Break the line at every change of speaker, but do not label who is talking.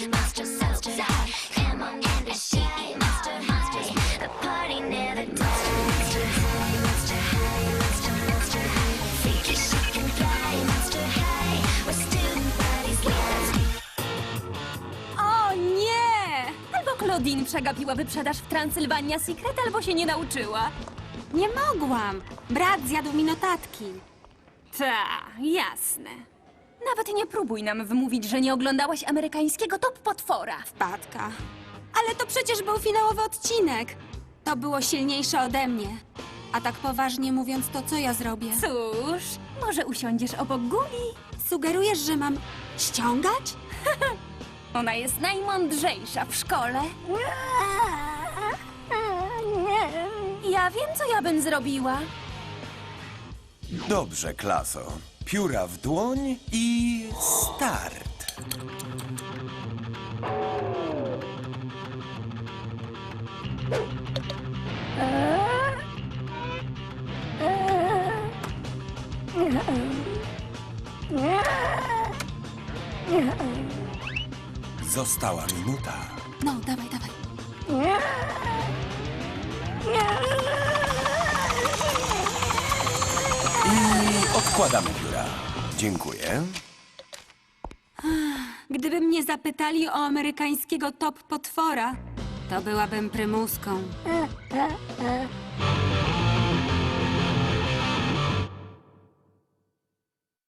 O nie! Albo Claudine przegapiła wyprzedaż w Transylvania Secret, albo się nie nauczyła.
Nie mogłam. Brat zjadł mi notatki.
Ta, jasne. Nawet nie próbuj nam wmówić, że nie oglądałaś amerykańskiego Top Potwora.
Wpadka. Ale to przecież był finałowy odcinek. To było silniejsze ode mnie. A tak poważnie mówiąc, to co ja zrobię?
Cóż, może usiądziesz obok Guli?
Sugerujesz, że mam ściągać?
Ona jest najmądrzejsza w szkole. Ja wiem, co ja bym zrobiła.
Dobrze, klaso. Pióra w dłoń i start. Została minuta.
No, dawaj, dawaj.
I odkładamy pióra. Dziękuję.
Gdyby mnie zapytali o amerykańskiego top potwora, to byłabym prymuską.